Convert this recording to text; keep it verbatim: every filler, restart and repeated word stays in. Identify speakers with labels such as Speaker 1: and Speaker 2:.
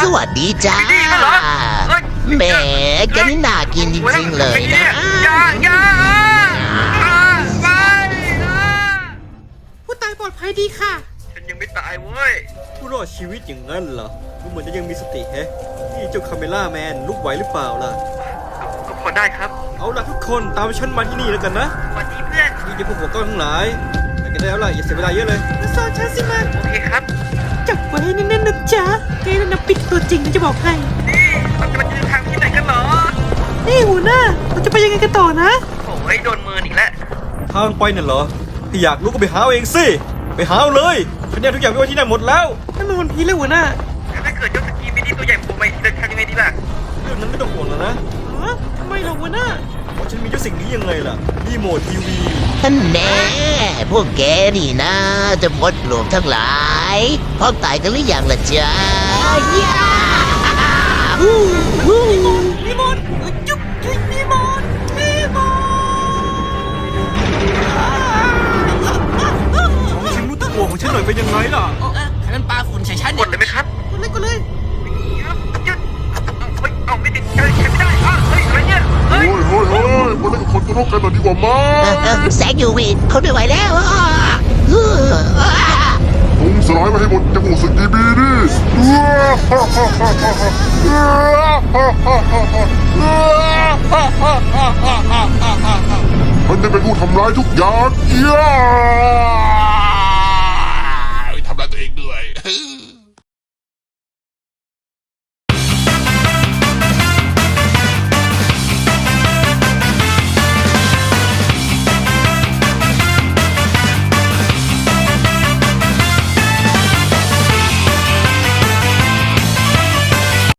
Speaker 1: วัสดีจ้าแหมแกนี่น่ากินจริงๆเลยนะ
Speaker 2: อย่าอย่าไป
Speaker 3: ผู้ตายปลอดภัยดีค่ะ
Speaker 2: ฉันยังไม่ตายเว้ย
Speaker 4: ผู้รอดชีวิตอย่างนั้นเหรอดูเหมือนจะยังมีสติแฮะนี่เจ้าคาเมล่าแมนลุกไหวหรือเปล่าล่ะ
Speaker 2: ก็พอได้ครับ
Speaker 4: เอาล่ะทุกคนตามฉันมาที่นี่แล้วกันนะ
Speaker 2: สวัสดีเพื่อน
Speaker 4: นี่จะพวกหัวก้อนทั้งหลายไปกันได้แล้วล่ะอย่าเสียเวลาเยอะเลย
Speaker 3: มาสอนฉันสิมัน
Speaker 2: โอเคครับ
Speaker 3: จับไว้ให้แน่นๆนะจ๊ะแกนั่นนะปิดตัวจริงนะจะบอกให้
Speaker 2: นี่เราจะมาเดินทางที่ไหนกันเหรอ
Speaker 3: นี่หัวหน้าเราจะไปยังไงกันต่อนะ
Speaker 2: โอ้ยโดนมืออีกแล้ว
Speaker 4: ทางไปน่ะเหรอถ้าอยากรู้ก็ไปหาเอาเองสิไปหาเอาเลยฉันเนี่ยทุกอย่างไว้ที่นั่นหมดแล้ว
Speaker 3: นั่นมันวันพีแล้วหัวหน้า
Speaker 2: ถ้าเกิดยกสกีมินิตัวใหญ่โผล่มาเดินทางยังไงดีล่ะ
Speaker 4: เรื่องนั้นไม่ต้องห่วงแล้วนะ
Speaker 3: ฮะทำไมล่ะหัวหน้า
Speaker 4: เพราะฉันมีเจ้าสิ่งนี้ยังไงล่ะรีโมททีวี
Speaker 1: ท่านแน่พวกแกนี่นะจะมดหลวงทั้งหลายพร้อมตายกันหรือยังล่ะจ๊ะย่าฮู้ฮู้
Speaker 3: รีโมทจุ๊บจุ๊บรีโมทรีโม
Speaker 4: ของฉันรู้ตัวของฉันหน่อยเป็นยังไงล่ะ
Speaker 5: ใครมันปลาฝุ่นใส่ฉัน
Speaker 2: กดเลยไหมครับ
Speaker 3: กดเลยกดเลย
Speaker 2: ยึดเฮ้ยเอาไม่ติดใช้ใช้ไม่ได้อ่ะเฮ้ยอะไรเนี่ยเฮ้ย
Speaker 6: เฮ้ยเฮ้ยเฮ้ยมาเล่นกับคนตัวนกกันหน่อยดีกว่ามั้ง
Speaker 1: แสงยูวีทนไม่ไหวแล้ว
Speaker 6: พุงสลายมาให้หมดจะบูสึกดีบีดิมันจะเป็นผู้ทำร้ายทุกอย่างเย้ทำร้ายตัวเองด้วย